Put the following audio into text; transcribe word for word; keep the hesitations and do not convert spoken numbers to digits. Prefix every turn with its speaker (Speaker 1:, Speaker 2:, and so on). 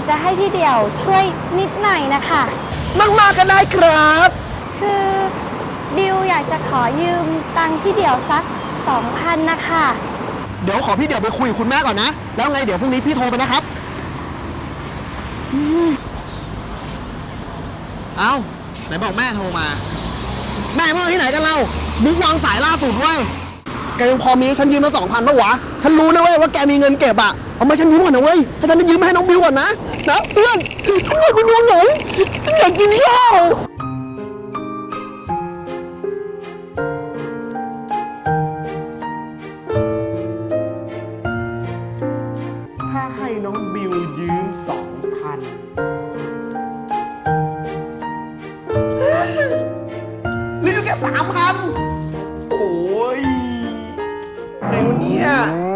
Speaker 1: ากจะให้พี่เดี่ยวช่วยนิดหน่อยนะคะ
Speaker 2: มากๆก็ได้ครับ
Speaker 1: คือบิวอยากจะขอยืมตังค์พี่เดี่ยวสักสองพันนะคะ
Speaker 2: เดี๋ยวขอพี่เดี่ยวไปคุยกับคุณแม่ก่อนนะแล้วไงเดี๋ยวพรุ่งนี้พี่โทรไปนะครับเอ้าไหนบอกแม่โทรมาแม่เมื่อที่ไหนกันเราบุ๊กวางสายล่าสุดเว้ยแกยังพอมีฉันยืมมาสองพันปะวะฉันรู้นะเว้ยว่าแกมีเงินเก็บอะเอามาฉันยืมก่อนนะเว้ยให้ฉันได้ยืมให้น้องบิวก่อนนะนะเพื่อนฉันอยากไปดูหนังฉันอยากกินข้าวถ้าให้น้องบิวยืมสองพันนี่แค่สามพันโอ้ยในวันนี้